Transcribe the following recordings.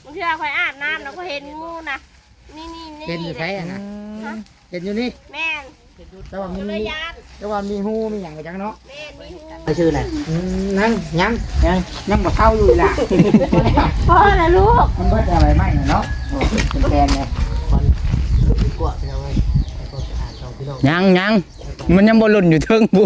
เชื่อคอยอาบน้ำแล้วก็เห็นงูนะนี่เห็นอยู่ใช่นะเห็นอยู่นี่แม่นแต่ว่ามีเลยยานแต่ว่ามีหูมีอย่างกันจังเนาะแม่นมีงูไปชื่ออะไรยังบ่เข้าอยู่ล่ะพ่อละลูกมันเบิดอะไรไม่เนาะโอ้เป็นแกนเลยยังมันยังบ่หล่นอยู่เทิงบู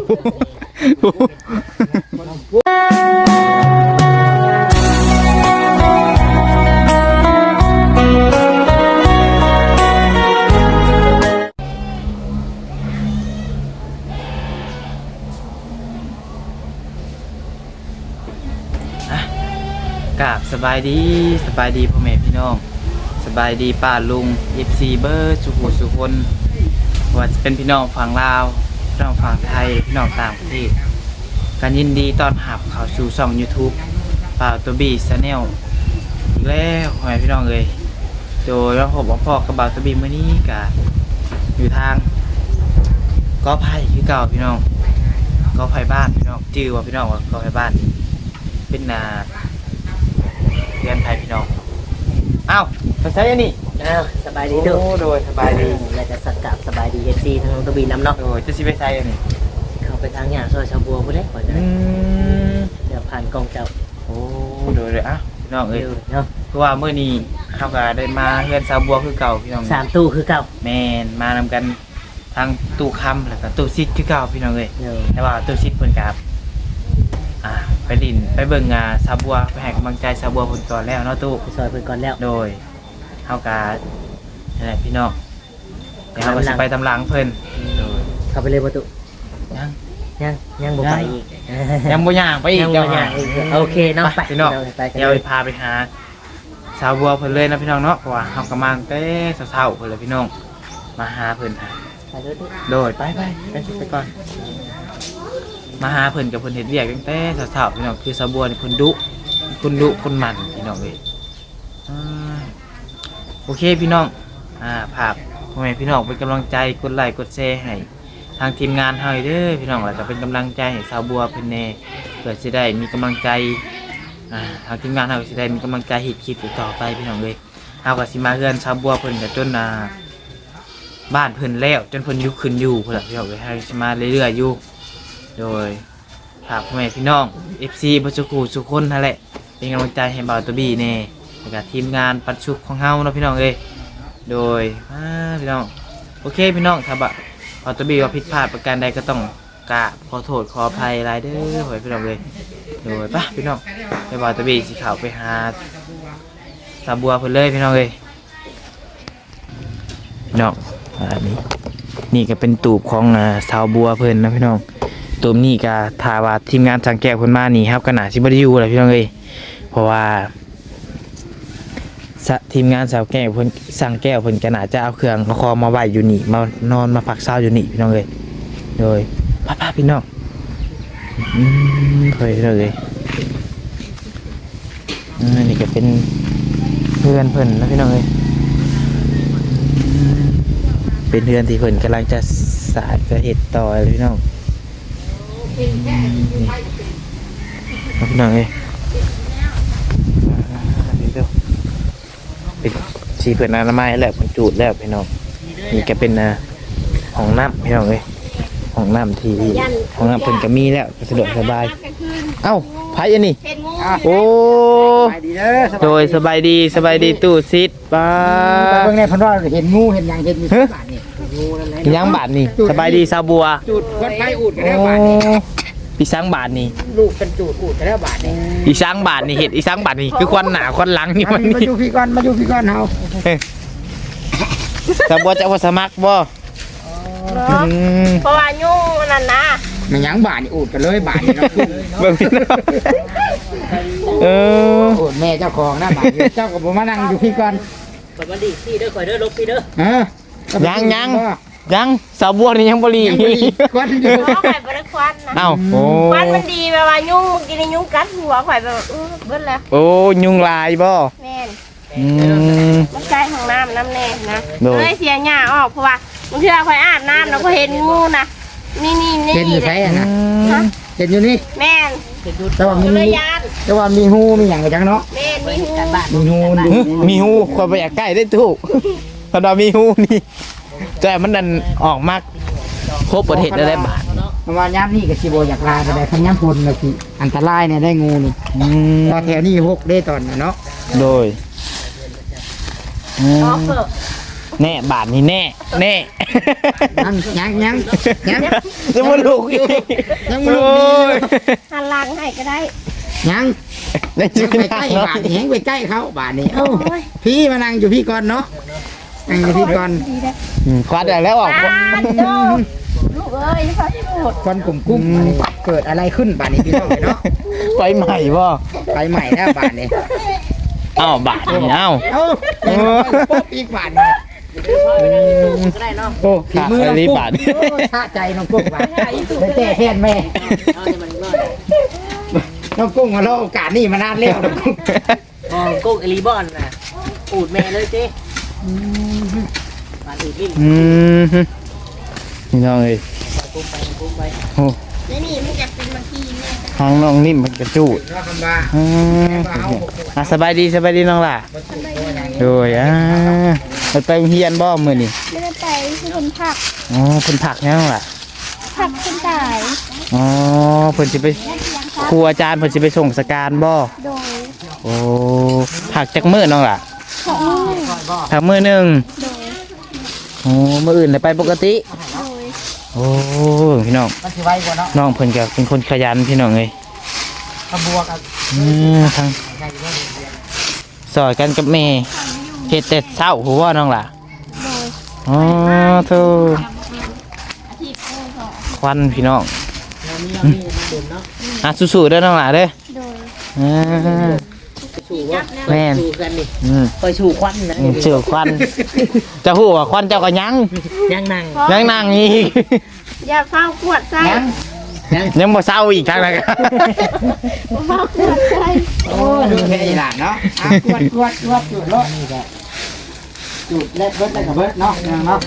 กราบสบายดีพ่อแม่พี่น้องสบายดีป้าลุง FC เบอร์สุขุสุคนว่าจะเป็นพี่น้องฝั่งลาวพี่น้องฝั่งไทยพี่น้องต่างประเทศการยินดีต้อนรับเข้าสู่ช่อง YouTube ป่าตัวบีชาแนลอีกแล้วพ่อแม่พี่น้องเลยโดยว่าผมพ่อกับบ่าวตัวบีมื้อนี้ก็อยู่ทางกอไผ่คือเก่าพี่น้องกอไผ่บ้านพี่น้องชื่อว่าพี่น้องว่ากอไผ่บ้านเป็นเรียนไทยพี่น้องอ้าวภาษาอันนี้สบายดีเด้อโดยสบายดีแล้วก็สักกับสบายดี FC ทั้งน้องตบีน้ำเนาะโดยจะสิไปใส่อันนี้เข้าไปทางหญ้าซอยชาวบัวพุ่นเด้ก่อนจะได้เดี๋ยวผ่านกองเจ้าโอ้โดยอ่ะพี่น้องเอ้ยเนาะเพราะว่ามื้อนี้เขาก็ได้มาเฮือนสาวบัวคือเก่าพี่น้อง 3ตู้คือเก่าแม่นมานำกันทางตู้คำแล้วก็ตู้ซิดคือเก่าพี่น้องเอ้ยเด้อแต่ว่าตู้ซิดเพิ่นก็ไปลินไปเบิ่งสาวบัวไปให้กำลังใจสาวบัวเพิ่นก่อนแล้วเนาะตู้ไปซอยเพิ่นก่อนแล้วโดยเฮาก็นั่นแหละพี่น้องเดี๋ยวเฮาก็สิไปตำหลังเพิ่นโดยเข้าไปเลยบ่ตุยังบ่ไปอีกยังบ่ย่างไปอีกยังเจ้าบ่หาย่างอีกโอเคเนาะไปพี่น้องไปกันเดี๋ยวพาไปหาสาวบัวเพิ่นเลยนะพี่น้องเนาะเพราะว่าเฮากำลังแต่เช้าๆเพิ่นเลยพี่น้องมาหาเพิ่นหาไปเด้อตุโดยไปก่อนมาหาเพิ่นกับเพิ่นเฮ็ดเวียกตั้งแต่เช้าๆพี่น้องคือสาวบัวนี่เพิ่นดุคนมันพี่น้องเอ้ยโอเคพี่น้องภาพพ่อแม่พี่น้องเป็นกำลังใจกดไลค์กดแชร์ให้ทางทีมงานเฮาเด้อพี่น้องแล้วก็เป็นกำลังใจให้สาวบัวเพิ่นแน่เพื่อสิได้มีกำลังใจทางทีมงานเฮาสิได้มีกำลังใจเฮ็ดคลิปต่อไปพี่น้องเอ้ยเฮาก็สิมาเฮือนสาวบัวเพิ่นก็จนบ้านเพิ่นแล้วจนเพิ่นอยู่ขึ้นอยู่พุ่นล่ะพี่น้องเอ้ยให้สิมาเรื่อยๆอยู่โดยฝากพ่อแม่พี่น้อง FC บ่สุขุสุคนนั่นแหละเป็นกำลังใจให้บ่าวตัวบี้แน่แล้วก็ทีมงานปัดชุบของเฮาเนาะพี่น้องเอ้ยโดยพี่น้องโอเคพี่น้องถ้าบ่าวตัวบี้ว่าผิดพลาดประการใดก็ต้องกราบขอโทษขออภัยหลายเด้อพ่อแม่พี่น้องเอ้ยโดยป่ะพี่น้องไปบ่าวตัวบี้สิเข้าไปหาสาวบัวเพิ่นเลยพี่น้องเอ้ยพี่น้องนี่ก็เป็นตูบของสาวบัวเพิ่นนะพี่น้องตูบนี่ก็ถ้าว่าทีมงานสังแก้วเพิ่นมานี่ครับก็น่าสิบ่ได้อยู่แหละพี่น้องเอ้ยเพราะว่าทีมงานสาวแก้วเพิ่นสั่งแก้วเพิ่นก็น่าจะเอาเครื่องเอาคอมาไว้อยู่นี่มานอนมาพักเช้าอยู่นี่พี่น้องเอ้ยโดยป้าพี่น้องเคยเลยนี่ก็เป็นเพื่อนเพิ่นนะพี่น้องเอ้ยเป็นเพื่อนที่เพิ่นกำลังจะสานจะเฮ็ดต่อพี่น้องพี่น้องเอ้ยเป็นชีเพื่อนอนามัยแล้วเป็นจูดแล้วพี่น้องนี่ก็เป็นห้องน้ำพี่น้องเอ้ยห้องน้ำที่ห้องน้ำเพิ่นก็มีแล้วสะดวกสบายเอ้าไผอันนี้โอ้โดยสบายดีตู้ซิดป้าเบิ่งในพันว่าเห็นงูเห็นอย่างเห็นมีบาทนี่งูนั่นแหละยังบาทนี่สบายดีสาวบัวจุดวัดไฟอูดกันแล้วบาทนี่อีสังบาทนี่ลูกเป็นจูดอูดกันแล้วบาทนี่อีสังบาทนี่เห็ดอีสังบาทนี่คือควันหนาควันหลังนี่มันมานี่อยู่พี่ก่อนเฮาสาวบัวจะเอาสมัครบ่เพราะว่ายุ่งนั่นนะมันยังบาทนี่อูดกันเลยบาทนี่เนาะเบิ่งพี่น้องอูดแม่เจ้าของนะบาทเจ้าก็บ่มานั่งอยู่พี่ก่อนเปิดบันดีพี่เด้อข่อยเด้อลบพี่เด้อยังสาวบัวนี่ยังบ่รีควันอยู่เพราะข่อยบ่ได้ควันนะเอ้าโอ้ควันมันดีแบบว่ายุ่งเมื่อกี้นี่ยุ่งกัดหัวข่อยแบบเบิ้ลแล้วโอ้ยุงลายบ่แม่นมมันใกล้ห้องน้ำน้ำแน่นะเลยเสียหญ้าออกเพราะว่าบางทีเราคอยอาบน้ำแล้วก็เห็นงูนะนี่เห็นอยู่ใช่นะเห็นอยู่นี่แม่นแต่ว่าจุลมียานแต่ว่ามีหูมีหยังกระจังเนาะแม่นมีหูมีหูดูมีหูความไปอยากใกล้ได้ถูกตอนเรามีหูนี่แต่มันดันออกมากครบประเทศได้บาทเพราะว่าย้ำนี่กับสิโบอยากลาไปได้คันย้ำพลก็สิอันตรายเนี่ยได้งูนี่พอแถวนี้6ได้ตอนน่ะเนาะโดยออฟเฟอร์แน่บาทนี่แน่แน่ยังยังไม่ลูกอีกยังบ่ลูกโอ้ยหันหลังให้ก็ได้ยังยังจะไปไม่ใกได้ล้บาทนี่แหงไปใกล้เขาบาทนี่เอ้าพี่มานั่งอยู่พี่ก่อนเนาะนั่งอยู่พี่ก่อนดีได้คว้าได้แล้วออกปานโตลูกเอ้ยพระพูดควันกลุ่มกุ้มบาทนี่เกิดอะไรขึ้นบาทนี้พี่น้องเนาะไปใหม่บ่ไปใหม่แล้วบาทนี่เอ้าบาทนี่เอ้าเอ้ายังป๊อบอีกบาทนี่ก็ได้เนาะโอ้ฝีมือน้องรีกุ้งบาทโอ้ชาใจน้องกุ้งบาทได้แก้แทนแม่เอาให้มันรอดน้องกุ้งมาเล่าโอกาสนี่มานานแล้วน้องกุ้งอ๋อกุ๊กเอลีบอนน่ะอูดแม่เลยเจ้มาอูดลิ้นนี่น้องเอ้ยกุ้มไปโอ้แล้วนี่มันจะเป็นบางทีแม่ทางน้องนิ่มมันกระจูดเนาะคำว่าสบายดีน้องล่ะโดยมันไปเฮียนบ่มื้อนี่ไม่ได้ไปที่คนผักอ๋อเพิ่นผักยังล่ะผักคนตายอ๋อเพิ่นสิไปครูอาจารย์เพิ่นสิไปส่งสการบ่โดยโอ้ผักจักมื้อน้องล่ะสองมือผักมื้อหนึงโดยโอ้มื้ออื่นเลยไปปกติโดยโอ้พี่น้องมันสิไว้กว่าเนาะน้องเพิ่นก็เป็นคนขยันพี่น้องเอ้ยขบวกับทางสอยกันกับแม่เฮ็ดแต่เช้าหัวน้องล่ะโดยอ๋อโธ่อาทิตย์หนึ่งของควันพี่น้องมีเด่นเนาะสู้ๆเด้อน้องล่ะเด้อโดยอ่าชูว่าแม่นชูกันดิอืมไปชูควันนะเชื่อควันเจะฮู้ว่าควันเจ้าก็ยังยังนั่งยังนั่งอีกอย่าเฝ้าขวดใส่ยังบ่เศร้าอีกทางนั้นก็เฝ้าขวดใส่โอ้ดูแค่อีหลานเนาะกวดจุดรถนี่แหละจุดเล็ดเบิดแล้วก็เบิดเนาะเนาะ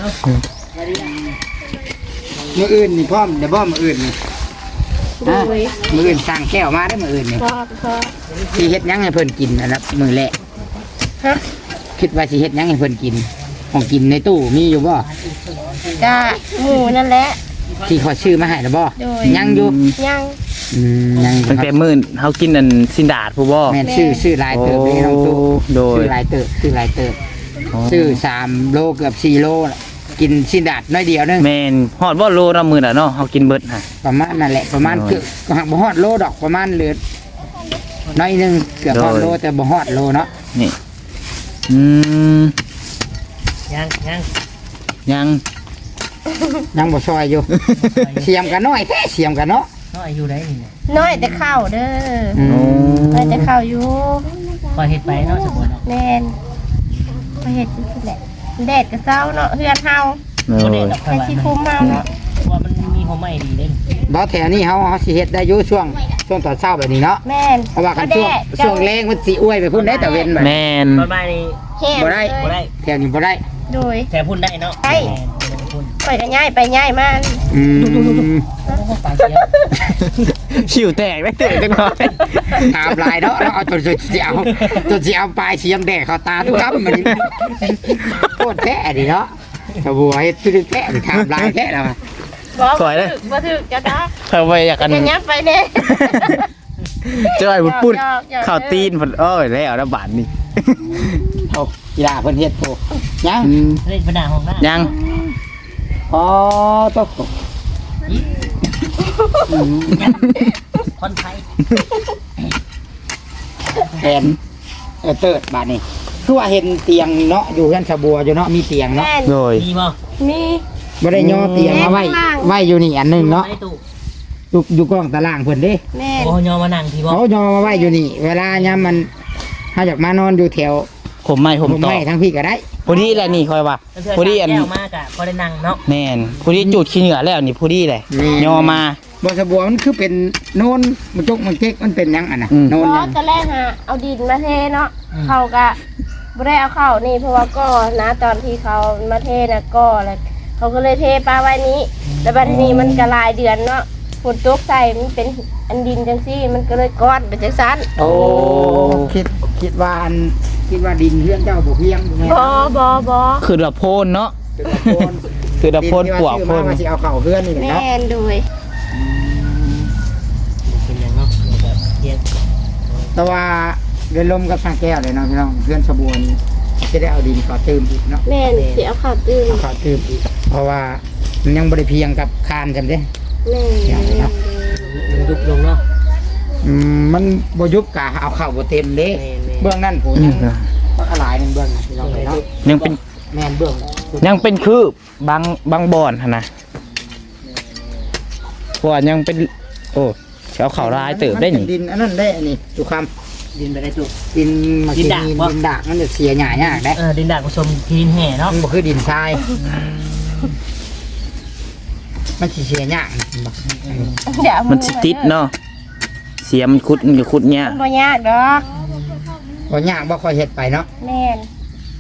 มืออื่นนี่พร้อมเดี๋ยวบ่มืออื่นนี่โดยมืออื่นสั่งแก้วมาได้มืออื่นนี่พอสิเฮ็ดหยังให้เพิ่นกินนะครับมือแรกฮะคิดว่าสิเฮ็ดหยังให้เพิ่นกินของกินในตู้มีอยู่บ่จ้าหมูนั่นแหละที่เขาชื่อมาให้แล้วบ่โดยยังอยู่ยังยังอยู่ตั้งคแต่รับมื้อเฮากินอันสินดาดผู้บ่แม่นชื่อลายเติบเลยน้องตู้โดยชื่อลายเติบชื่อ3โลเกือบ4โลน่ะกินสินดาดน้อยเดียวนึงแม่นฮอดบ่โลละมื้อน่ะเนาะเฮากินเบิดฮะประมาณนั่นแหละประมาณโดยเกือบก็หักบ่ฮอดโลดอกประมาณเหลือน้อยหนึงเกือบฮอดโดยโลแต่บ่ฮอดโลเนาะนี่อืมยังยังยังบ่ซอยอยู่ เสียมกันน้อยแท้เสียมกันเนาะน้อยอยู่ได้นี่น้อยแต่ข้าวเด้ออืมน้อยแต่ข้าวอยู่พอเฮ็ดไปเนาะสมบูรณ์เนาะแม่นไปเฮ็ดจังซี่แหละแดดก็เช้าเนาะเฮือนเฮาโดบ่ได้ยดอกไปสิคุมเฮาเนาะว่ามันมีหัวใหม่ดีเด้บ่แถวนี้เฮาสิเฮ็ดได้อยู่ช่วงตอนเช้าแบบนี้เนาะแม่นเพราะว่ากันช่วงแรงมันสิอวยไปพุ่นได้แต่เว้นบัดแม่นประมาณนี้แห้งบ่ได้เลยบ่ได้แถวนี้บ่ได้โดยแต่พุ่นได้เนาะได้พุ่นข่อยก็ย้ายไปย้ายมาอืมโอ้ปลาเสียขิวแตกได้เตะจังหน่อยตามลายเนาะแล้วเอาจนสิเอาปลายเสียมแดกเข้าตาทุกคำมันนี่โคตรแท้ดิเนาะสบัวเฮ็ดคือแท้ดิถามลายแท้แล้วอะบอกบ่ถึกจะดักเธอไปอยากกันจะยับไปเด้เจ้าไอ้บุญปุ้นหยอกๆข้าวตีนเพิ่นเอ้ยแล้วนะบาดนี้เอากีฬาเพิ่นเฮ็ดโตยังเล่นปัญหาของหน้ายังอ๋อตกคนไทยแทนเติร์ดบาดนี้คือว่าเห็นเตียงเนาะอยู่กันสบัวอยู่เนาะมีเตียงเนาะแม่นโดยมีบ่มีบ่ได้ย่อเตียงมาไว้อยู่นี่อันหนึงเนาะไอ้ตู้อยู่กล้องตารางเพิ่นเด้แม่นโอ้ยอมานั่งที่บ่เขาย่อมาไว้อยู่นี่ เวลายามมันถ้าอยากมานอนอยู่แถวผมไม่ผมต่อไม่ทั้งพี่ก็ได้พอดีแหละนี่คอยว่าพอดีอันแก้วมากอ่ะพอได้นั่งเนาะแม่นพอดีจุดขี้เหงื่อแล้วนี่พอดีเลยยอมาบ่สบัวมันคือเป็นโนนมันจกมันเจ๊กมันเป็นหยังอ่ะนะอืมโนนเพหยัราะงตอนแรกฮะเอาดินมาเทเนาะเขาก็บ่ได้เอาเข้านี่เพราะว่าก็นะตอนที่เขามาเทน่ะก็แล้วเขาก็เลยเทปลาไว้นี้แล้วบัดนี้มันก็หลายเดือนเนาะฝฝนตกใส่มันเป็นอันดินจังซี่มันก็เลยก้อนเป็นจังซั่นโอ้คิดว่าดินเพื่อนเจ้าบ่เพียงแม่นบ่คือละโพนเนาะเป็นตะโกนคือละโพนปวกดิโพที่นว่าซื้อมาว่าสิเอาเข้าเพื่อนนี่แหละแม่เนาะนโดยเป็นอย่างเนาะเดี๋ยวก็เรียนแต่ว่าเดินลมกับทางแก้วเลยเนาะพี่น้องเพื่อนสะบวนจะได้เอาดินขอเติมอีกเนาะแม่นสิเอาข้าวตื้นเอาขอเติมอีกเพราะว่ามันยังบ่ได้เพียงกับคานจำเด้แม่นมันยุบลงเนาะมันบ่ยุบกะเอาเข้าบ่เต็มเด้แม่นเบื้องนั่นผมยังบักหลายหนึงเบื้องพี่น้องเนาะยังเป็นแม่นเบื้องยังเป็นคืบบางบ่อนหั่นนะเพราะว่ายังเป็นโอ้สิเอาเข้าลายเติบได้นี่ดินอันนั้นได้อันนี้ทุกคดินไปได้จุกำดินมากินดินดากมันจะเสียหยายากได้ดินด่างผสมทีนแห่เนาะมันบ่คือดินทรายมันสิเสียยากเดี๋ยวมันสิติดเนาะเสียมันจะขุดเนี่ยมันบ่ยากดอกบ่ยากบ่ค่อยเฮ็ดไปเนาะแม่น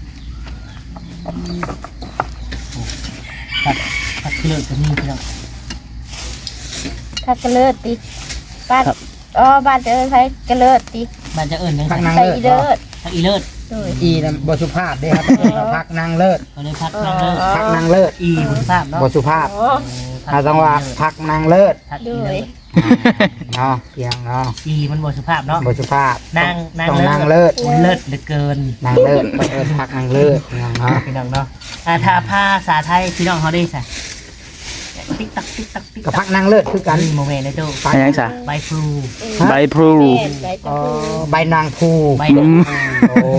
ผักเลือกกับนี่พี่น้องถ้ากระเลิดติบ้านบ้านเจอใช้กระเลิดติมันจะเอิญยังพักนางใส่เลิศอีเลิศผักอีเลิศโดยอีน่ะบ่สุภาพเด้ครับพักนางเลิศเขาเลยพักนางเลิศพักนางเลิศอีบุญภาพเนาะบ่สุภาพอ๋อเราต้องว่าพักนางเลิศพักโดอีเลิยศเนาะเพียงเนาะอีมันบ่สุภาพเนาะบ่สุภาพนางต้องนางเลิศเลิศเหลือเกินนางเลิศต้องเอิ้นพักนางเลิศเนาะพี่น้องเนาะถ้าภาษาไทยพี่น้องเขาได้ใส่ติ๊กตักติ๊กตักติ๊กก็ตัพักนางเลิศคือกักัน นโมเมนต์นะเจ้าอันยังซะใบพลูใบพลูแม่นใบชอ๋มอพูใบนางภูใบดอกโอ้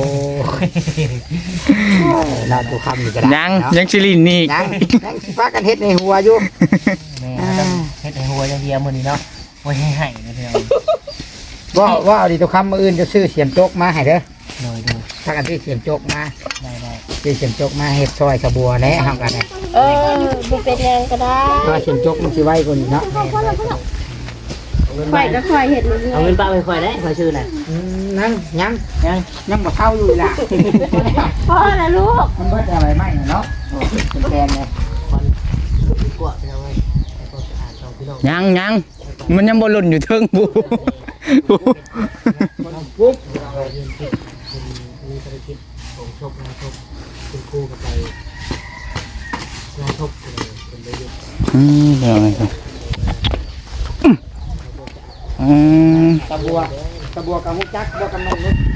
เราดูคำนี่ก็ได้ยังเนาะยังชิลินนี่ยังสิพากันเฮ็ดในหัวอยู่แม่ต้องเฮ็ดให้หัวอย่างเดียวมื้อนี้เนาะโอ้ยให้นะพี่น้องว่าเอาดิตัวคำมื้ออื่นจะซื้อเสียมโจกมาให้เด้อโดยดูถ้ากันซื้อเสียมโจกมาได้ซื้อเสียมโจกมาเฮ็ดซอยสะบัวแหน่เฮากันได้บ่เป็นหยังก็ได้เพราะว่าเสียมโจกมันสิไวกว่านี้เนาะข่อยก็ข่อยเห็ดมันเอาเงินป้าไปค่อยได้ค่อยชื่อน่ะนั่งยังยังยังบ่เท่าอยู่ล่ะพ่อนะลูกมันเบิดอะไรไหมเนาะโอ้เป็นแกนเลยคนกว่าพี่น้องเอ้ยไอ้พวกอ่านของพี่น้องยังมันยังบ่หล่นอยู่เทิงบูปุ๊บเราเรียนที่มีภารกิจของชกงานชกคุณครูกับไปงานชกเลยเป็นประโยชน์เดี๋ยวอะไรกันตะบัวกับมุกจักบัวกับนมนุษย์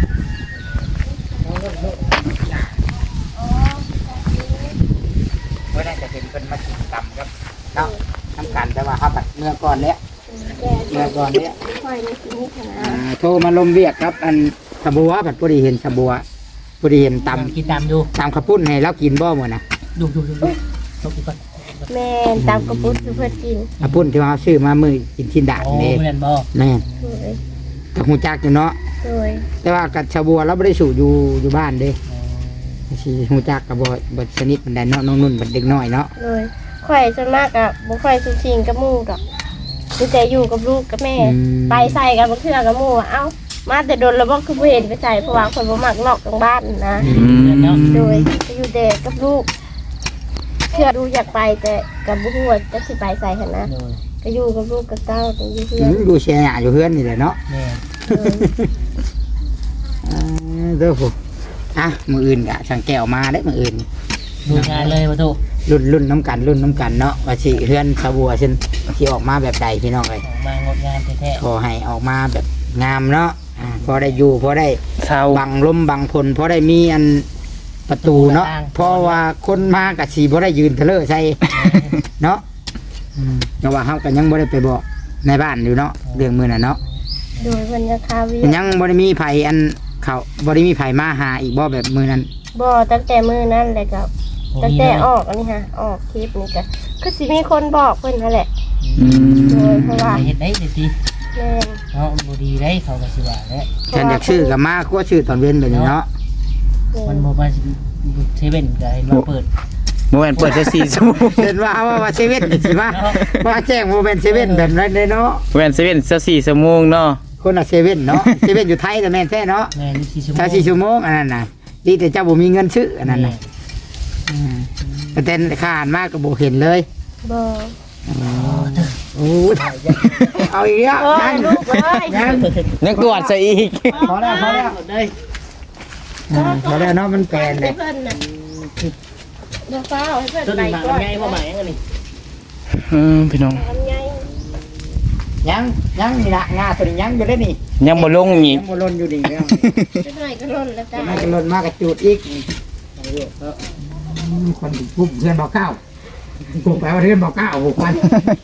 เมื่อนั้นจะเห็นเป็นมากินกรรมครับเนาะทำกันแต่ว่าเขาแบบเมื่อก่อนเนี้ย เมื่อก่อนเนี้ยข่อยนี่สิมีขนาดโทรมาลมเวียกครับ อันสะบัวผัดพอดีเห็นสะบัวพอดีเห็นตกินตามดูำข้าวปุ้นให้เรากินบ่หมดนะดูชกอีกก่อนแม่นตามกระปุกคือเพิ่นกินข้าวปุ้นที่ว่าซื้อมามือกินชิ้นด่างโอ้นี่ไม่เล่นบอแม่นโดยกับหูจักอยู่เนาะโดยแต่ว่ากับสะบัวเราไม่ได้สูบอยู่บ้านเด้สิหูจักกับบ่สนิทมันได้เนาะน้องนุ่นบัดเด็กน้อยเนาะโดยข่อยส่วนมากอะบ่ค่อยสุชิงกับหมู่ดอกมีแต่อยู่กับลูกกับแม่ ไปใส่กันบ่เทื่อกับหมู่อะเอ้ามาแต่โดนแล้วบ่คือบ่เห็นไปใส่เพราะว่าข่อยบ่มักนอกกลางบ้านนะ โดยไปอยู่เด็กกับลูกเชื่อดูอยากไปแต่กับบุหัวาจะสิไปใส่หันนะก็อยู่กับลูกกับเต้าเป็นอยู่เพื่อนดูเชียร์อยู่เพื่อนนี่แหละเนาะแม่เด้อผมมืออื่นกะช่างแก้วมาได้มืออื่นดูงานเลยประตูรุ่นน้ำกันเนาะว่าสิเพื่อนสะบัวเช่นสิออกมาแบบใดพี่น้องเลยมางดงานแท้ขอให้ออกมาแบบงามเนาะพอได้อยู่พอได้เช้าบังลมบังพลพอได้มีอันประตูเนาะเพราะว่าคนมากับสีพอได้ยืนเทเลอร์ใส่เนาะแต่ว่าเขากันยังบ่ได้ไปบอกในบ้านอยู่เนาะเรื่องมือน่ะเนาะโดยบรรยากาศวิยังบ่ได้มีไผอันเขาบ่ได้มีไผมาหาอีกบ่แบบมือนั้นบ่ตั้งแต่มือนั่นเลยกับตั้งแต่ออกอันนี้ฮะออกคลิปนี่ก็คือสิมีคนบอกเพิ่นนั่นแหละโดยเพราะว่าเห็นได้เลยสิแม่นเนาะบ่ดีได้เขาก็สิว่าแล้วฉันอยากชื่อกับมาก็ชื่อตอนเว้นไปนี่เนาะมันบ่มาเซเว่นก็เห็นว่าเปิดเมื่อวานเปิดจะ4 ชั่วโมงเห็นว่าเซเว่นนี่สิว่าว่าแจ้งโมเมนต์เซเว่นแบบนั้นเลยเนาะเว้น7จะ4 ชั่วโมงเนาะคนละเซเว่นเนาะเซเว่นอยู่ไทยแต่แม่นแท้เนาะแม่นี่4ชั่วโมงถ้า4ชั่วโมงอันนั้นน่ะดีแต่เจ้าบ่มีเงินซื้ออันนั้นน่ะแต่ค่าอาหารมากก็บ่เห็นเลยบ่โอ้ยเอาอีกแล้วโอ้ยัยงลูกเอ้ยยังยังตรวจซะอีกพอแล้วพอแล้วพอแล้วเนาะมันแปลนเลให้ยเพิ่นน่ะเดี๋ยวฟ้าเอาให้เพิ่นต้นไปหมากก่อนใหญ่บ่หมายยังไงนี่พี่น้องลำไยยังนี่ละงาตัวนี้ยังอยู่ได้นี่ยังบ่ลงอียักงบ่ลนอยู่นี่เนาะนิดหน่อยก็ล่นแล้วจ้ามันก็ลนมากระจูดอีกคนปุ๊บเพื่อนบอกเก้าปุ๊บไปว่าเพื่อนบอกเก้าบุกมัน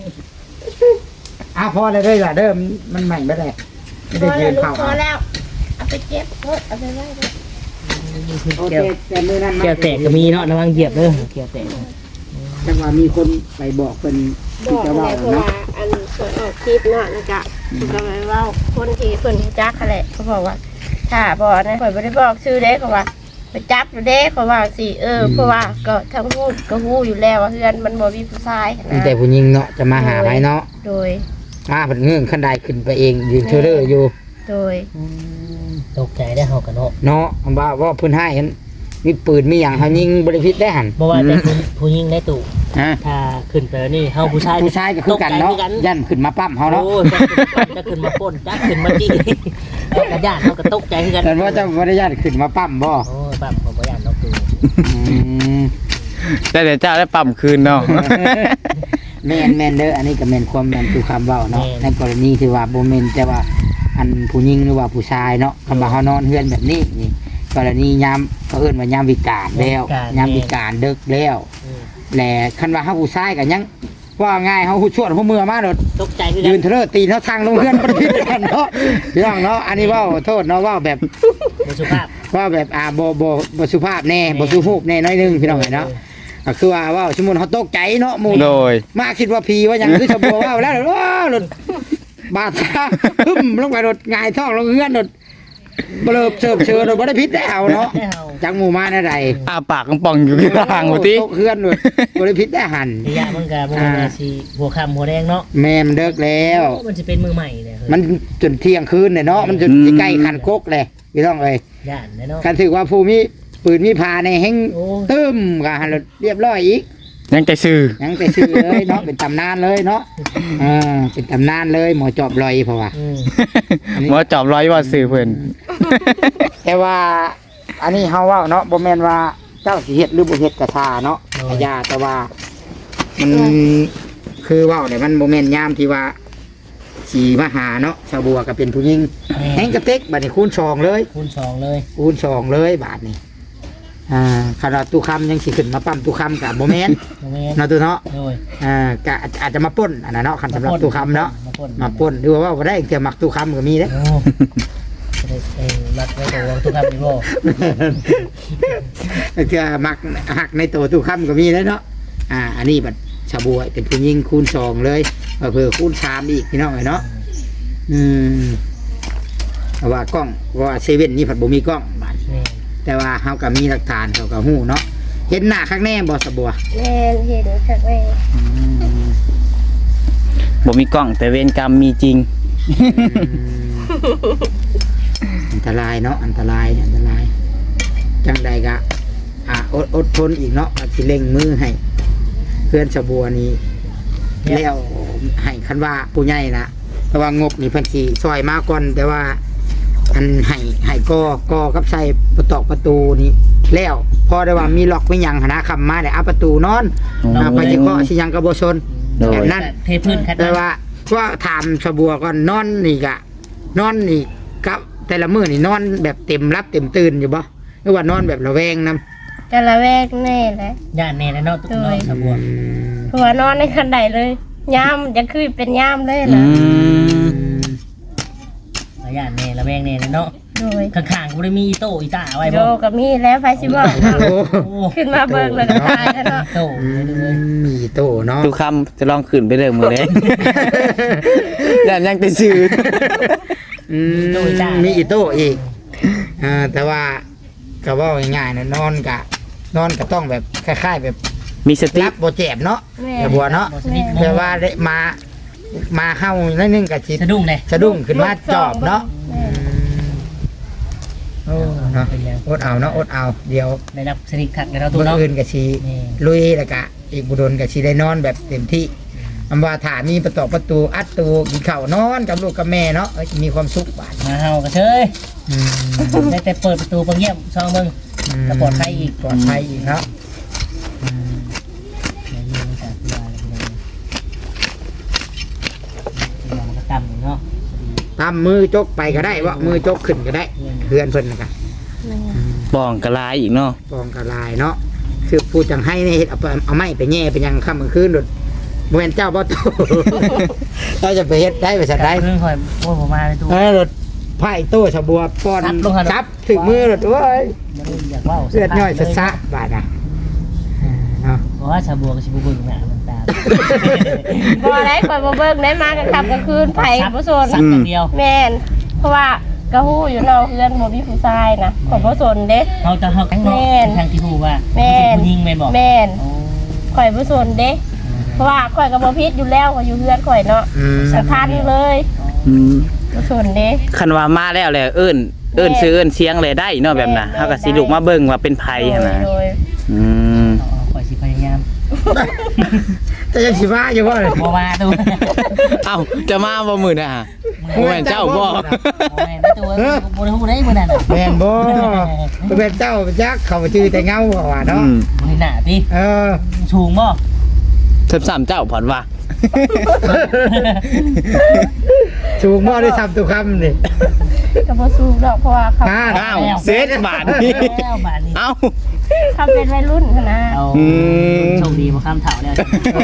อ้าวพอเลยล่ะเด้อมันใหม่ไปเลยไม่พได้อยืแล้วนลูกเข่าพอแล้วเอาไปเก็บเอาไปไว้เลยโอเคแต่มือนั้นแก้วแตกก็มีเนาะระวังเหยียบเด้อแก้วแตกจังหวะมีคนไปบอกเป็นบอกจะเลว่ายเพราะเนาะว่าอันเปิดออกคลิปเนาะแล้วก็ก็ไปเว่าคนที่เพิ่นรู้จักเขาแหละเขาบอกว่าถ้าบอกนะข่อยบ่ได้บอกชื่อเด้เขาว่าไปจับอยู่เด้เขาว่าสิเพราะว่าก็ทั้งพูดก็ฮู้อยู่แล้วว่าเฮือนมันบ่มีผู้ชายมีนะแต่ผู้หญิงเนาะจะมาหาไหมเนาะโดยมาเป็นเงื่อนขั้นใดขึ้นไปเองยืนเทเลอร์อยู่โดยตกใจได้เฮากันเนาะเนาะว่าเพื้นให้เห็นมีปืนมีอย่างเขายิงบริพิษได้หันบ่ว่าแต่ผู้หญิงในตู้ฮะถ้าขึ้นไปนี่เฮาผู้ชายผู้ชายก็คือกันเนาะยันขึ้นมาปั้มเขาเนาะโอ้จะขึ้นมาป่นจะขึ้นมาจี้กระยานเฮาก็ตกใจคือกันแต่ว่าเจ้าบริญาตขึ้นมาปั้มบ่โอ้ยปั๊มของบ่ยานเนาะตู้อืมแต่เดี๋ยวเจ้าได้ปั๊มคืนเนาะแม่นเด้ออันนี้ก็แม่นความแม่นคือคำเว้าเนาะในกรณีที่ว่าบ่แม่นแต่ว่าอันผู้หญิงหรือว่าผู้ชายเนาะคำว่าเฮานอนเฮือนแบบนี้นี่กรณียามเขาเอิ้นว่ายามวิกาลแล้วยามวิกาลดึกแล้วแหละคันว่าเฮาผู้ชายก็ยังว่าง่ายเฮาฮู้ชวนฮู้มือมาโดดตกใจคือกัยืนนเทเลอร์ตีนเท่าทางลงเพื่อนประพิษกันเนาะพี่น้องเนาะอันนี้เว่าโทษเนาะเว่าแบบบ่สุภาพว่าแบบบ่สุภาพแน่บ่สุภาพแน่น้อยหนึงพี่น้องเนาะก็คือว่าเว่าสมมุติเขาตกใจเนาะหมู่โดยมาคิดว่าผีว่าหยังคือชาวบัวว่าแล้วว้าวรถบาดตาหึมลงไปรถหงายท้องลงเฮือนรถเบลอเสิร์ฟเชิญรถบ่ได้พิษแล้วเนาะจังหมู่มาแน่ใดอ้าปากกำป่องอยู่ที่ทางบ่ติตกเฮือนรถบ่ได้พิษได้หันระยะมันก็บ่ว่าสิหัวค่ำหัวแดงเนาะแม่มันเลิกแล้วมันสิเป็นมือใหม่เนี่ยมันจนเที่ยงคืนเนี่ยเนาะมันจนสิใกล้คันกกเลยพี่น้องเอ้ยย่านเนาะกันถือว่าผู้มีปืนมีพาในแห้งโอ้ตึมก็หันรถเรียบร้อยอีกยังใจซื่อยังไปซื้อเลยเนาะเป็นตำนานเลยเนาะเป็นตำนานเลยหมอจอบลอยเพราะว่าหมอจอบร้อยว่าซื่อเพิ่นแต่ว่าอันนี้เฮาเว่าเนาะบ่แม่นว่าเจ้าสิเฮ็ดหรือบ่เฮ็ดกระทาเนาะอาญาแต่ว่ามันคือเว้าเนี่ยมันบ่แม่นยามที่ว่าสีมาหาเนาะชาวบัวก็เป็นผู้หญิงแห้งกระเต็กบัดนี้คูณ2เลยคูณ2เลยคูณ2เลยบาทนี้ขนาดตู้คำยังสิขึ้นมาปั๊มตู้คำกับโมเมนต์บ่แม่นเนาะตู้เนาะโดยก็อาจจะมาปล้นอันนั้นเนาะคันสำหรับตู้คำเนาะมาป่นมาปล้นหรือว่าบ่ได้เกี่ยวมักตู้คำก็มีเด้โอ้รักไว้ตัวทุกคำนี่บ่เกี่ยวมักหักในตัวตู้คำก็มีเด้เนาะอันนี้บัดชาวบัวเป็นผู้หญิงคูณ2เลยเผื่อคูณ3อีกพี่น้องเนาะเพราะว่ากล้องว่าเซเว่นนี่ผัดบ่มีกล้องบาดแม่แต่ว่าเฮาก็มีหลักฐานเขาก็ฮู้เนาะเห็นหน้าข้างแน่บ่สะบัวแม่เห็นค่ะแม่บ่มีกล้องแต่เวรกรรมมีจริงอันตรายเนาะอันตรายเนี่ยอันตรายจังใดก็อดทนอีกเนาะอาจสิเร่งมือให้เพื่อนสะบัวนี้แล้วให้คันว่าผู้ใหญ่นะแต่ว่างบนี่เพิ่นสิซอยมาก่อนแต่ว่าอันให้กอกับใส่ประตูนี่แล้วพอได้ว่ามีล็อกไม่ยังหนนะคำมาได้เอาประตูนอนไปสิเคาะสิยังก็บ่ชนโดยแบบนั้นเทพื้นคัดแต่ว่าก็ถามสะบัวก่อนนอนนี่กะนอนนี่กับแต่ละมื้อนี่นอนแบบเต็มรับเต็มตื่นอยู่บ่หรือว่านอนแบบระแวงนำจะละแวกแน่แหละย่านแน่แล้วเนาะตุ๊กเนาะสะบัวเพราะว่านอนในคันใดเลยยามจะคือเป็นยามเลยนะย่านแน่ระแวงแน่เนาะโดยข้างๆกูได้มีอีโต้อีตาไว้โดบ่กับมีแล้วไฟสิบอกเนาะโอ้โอ้ขึ้นมาเบิกเลยก็ตายแล้วเนาะโต้เลยมีโตเนาะทุกคำจะลองขึ้นไปเรื่องมือเลย แต่ยังใจซื่อมีอีโตอีกแต่ว่าก็เว่าง่ายๆนะนอนก็ต้องแบบคล้ายๆแบบมีสติรับบ่เจ็บเนาะแม่แต่บัวเนาะบ่สนิทแต่ว่าได้มาเฮานิดนึงก็สิสะดุ้งเลยสะดุ้งขึ้นมาจอบเนาะแม่โอ้เนาะอดเอาเนาะอดเอาเดี๋ยวได้รับสนิทขัดกันเนาะตู้มื้อเนาะอื่นก็สินี่ลุยแล้วก็อีกบุดนก็สิได้นอนแบบเต็มที่อำว่าถ้ามีประตูอัดตูกินข้าวนอนกับลูกกับแม่เนาะมีความสุขบาดมาเฮากระเชยได้แต่เปิดประตูเบิ่งเยี่ยมซองเบิ่งก็ปลอดภัยอีกปลอดภัยอีกครับเนาะตามมือจกไปก็ได้ว่ามือจกขึ้นก็ได้เพื่อนเพิ่นนะครับป้องกระลายอีกเนาะปองกระลายเนาะคือพูดจังให้นี่เฮ็ดเอาไม้ไปแย่ไปยังค่ำกลางคืนโดดบ่แม่นเจ้าบ่โต เราจะไปเฮ็ดได้ไปสันได้เรื่องคอยโอ้ผมมาในตู้รถไผ่โต้ชะบัวป้อนซับถึงมือรถโอ้ยอยากว่าเลือดย่อยซะบาดน่ะเนาะเพราะว่าชาวบัวกับชิบุบุญหนามันตาบ่ได้ข่อยบ่เบิ่งได้มากันค่ำกลางคืนไผบ่สนสักอย่างเดียวแม่นเพราะว่ากะฮู้อยู่เนาะเพื่อนบ่มีผู้ชายนะข่อยบ่สนเด้เราจะหักแม่ทางที่หูว่ายิงแม่บอกแม่นข่อยบ่สนเด้เพราะว่าข่อยก็บ่ผิดอยู่แล้วข่อยอยู่เพื่อนข่อยเนาะสำคัญเลยบ่สนเด้คันว่ามาแล้วแหละเอิ้นชื่อเอิ้นเสียงเลยได้เนาะแบบน่ะเฮาก็สิลุกมาเบิ่งว่าเป็นไผหั่นน่ะโดยอืมคอยสิพยายามแต่ยังสิว่าอยู่บ่เลยบัวมาตู้เอ้าจะมาบ่มื้อน่ะบ่แม่นเจ้าบ่แม่ไม่ตู้บัวหูได้บัวนั่นแม่นบ่เป็นเจ้าจักเขาชื่อแต่เงาว่าเนาะบัวหนาพี่ สูงบ่ 13เจ้าผ่อนว่าสูงบ่ได้ซ้ำตุคำนี่ก็บ่สู้ดอกเพราะว่าเขาอ้าวเซตบาทนี่แล้วบาทนี้เอ้าเขาเป็นวัยรุ่นหั้นนะเอาโชคดีมาข้ามเถาแล้ว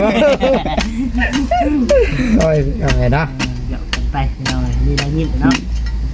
โอ้ยเอาไงเนาะเดี๋ยวไปเรามีอะไรยิ้มเนาะ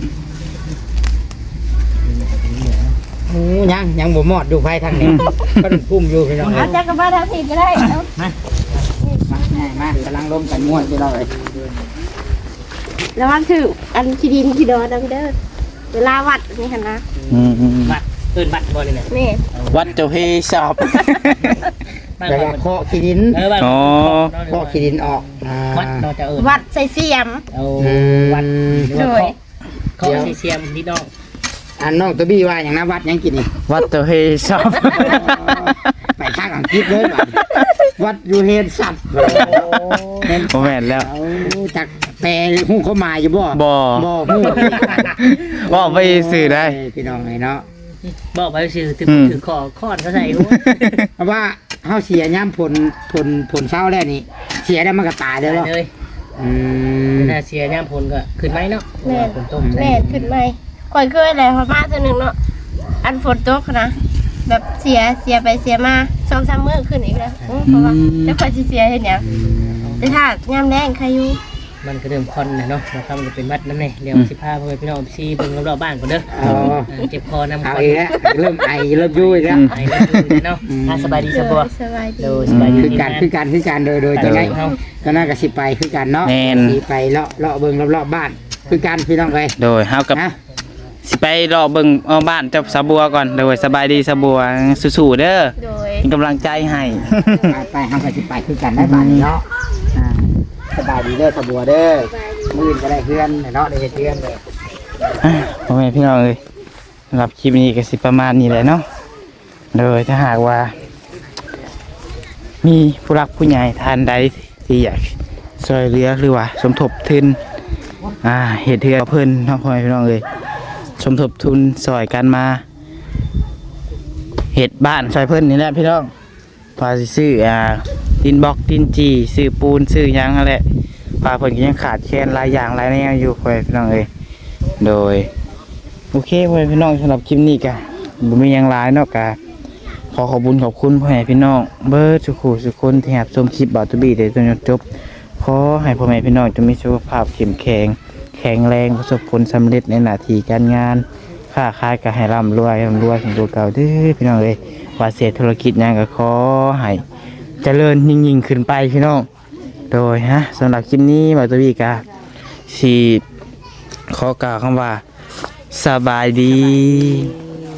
ยังบ่หมอดดูไฟทางนี้ก็พุ่มอยู่พี่น้องเอาจักรบ้านทางผิดก็ได้เอามากำลังล้มกันม้วนพี่น้องเลยแล้วมันถืออันขี้ดินขี้ดอนนะพี่เด้อเวลาวัดนี่หั่นนะบัตรบัตรบอลเลยนะแม่วัดเจ้าเฮชอบแต่ว่าเคาะขี้ดินอ๋อเคาะขี้ดินออกวัดเราจะวัดใส่เสียมเอาวัดเขาเสียมนิดน้องอันน้องตัวบี้ว่าอย่างนั้นวัดยังกินนี่วัดเจ้าเฮชอบไปข้างอังกฤษเลยวัดยูเฮนสับบ่แม่นแล้วจากแปลหูเขามาอยู่บ่บ่บ่หูว่าไปสื่อได้พี่น้องไงเนาะบอกไปสื่อถือข้อนเขาใส่หัวเพราะว่าเฮาเสียย่ำผลเศร้าแล้วนี่เสียได้มันก็ตายเลยเนาะเลยถ้าเสียย่ามพลก็ขึ้นไหมเนาะแม่ฝนตกแม่ขึ้นไหมข่อยเคยอะไรพอมาตัวหนึงเนาะอันฝนตกนะแบบเสียไปเสียมา2-3มื้อขึ้นอีกแล้วเพราะว่าแล้วข่อยสิเสียเฮ็ดหยังแต่ถ้ายามแรงใครอยู่มันก็เริ่มคอนนะเนาะเราทำจะเป็นวัดน้ำเนี่ยเดี๋ยว15เพื่อนพี่น้องซีเบิ่งรอบๆบ้านก่อนเด้อเจ็บคอนำเอาอีกแล้วเริ่มไอเริ่มยุ่ยแล้วไอ้เนาะสบายดีสบายสบายดีดูสบายดีคือการโดยจะไงก็น่าก็สิไปคือกันเนาะสิไปเลาะเบิ่งรอบๆบ้านคือการพี่น้องเลยโดยเฮากับสิไปรอเบิ่งบ้านเจ้าสาบัวก่อนโดยสบายดีสาบัวสู้ๆเด้อโดยเป็นกำลังใจให้ไปเฮาก็สิไปคือกันได้บ้านเนาะสบายดีเด้อสบัวเด้อมื้อก็ได้เพื่อนเนาะได้เพื่อนเลยพ่อแม่พี่น้องเอ้ยสำหรับคลิปนี้ก็สิประมาณนี้แหละเนาะโดยถ้าหากว่า มีผู้รักผู้ใหญ่ท่านใดที่อยากช่วยเหลือหรือว่าสมทบทุนเหตุเทือเพิ่นเนาะพ่อแม่พี่น้องเอ้ยสมทบทุนซอยกันมาเฮ็ดบ้านซอยเพิ่นนี่แหละพี่น้องพาสิซื้อดินบล็อกดินจีซื้อปูนซื้อหยังนั่นแหละพาเพิ่นก็ยังขาดแคลนหลายอย่างหลายแนวอยู่พ่อแม่พี่น้องเอ้ยโดยโอเคพ่อแม่พี่น้องสำหรับคลิปนี้ก็บ่มีหยังหลายเนาะก็ขอขอบคุณพ่อแม่พี่น้องเบิดทุกคนที่รับชมคลิปบ่าวตุบี้ได้จนจบขอให้พ่อแม่พี่น้องจงมีสุขภาพเข้มแข็งแรงประสบผลสำเร็จในหน้าที่การงานค้าขายก็ให้ร่ำรวยถึงตัวเก่าเด้อพี่น้องเอ้ยว่าเสียธุรกิจหยังก็ขอให้เจริญยิ่งขึ้นไปพี่น้องโดยสำหรับคลิปนี้บ่าวตุบี้ก็สิขอกล่าวคำว่าสบายดี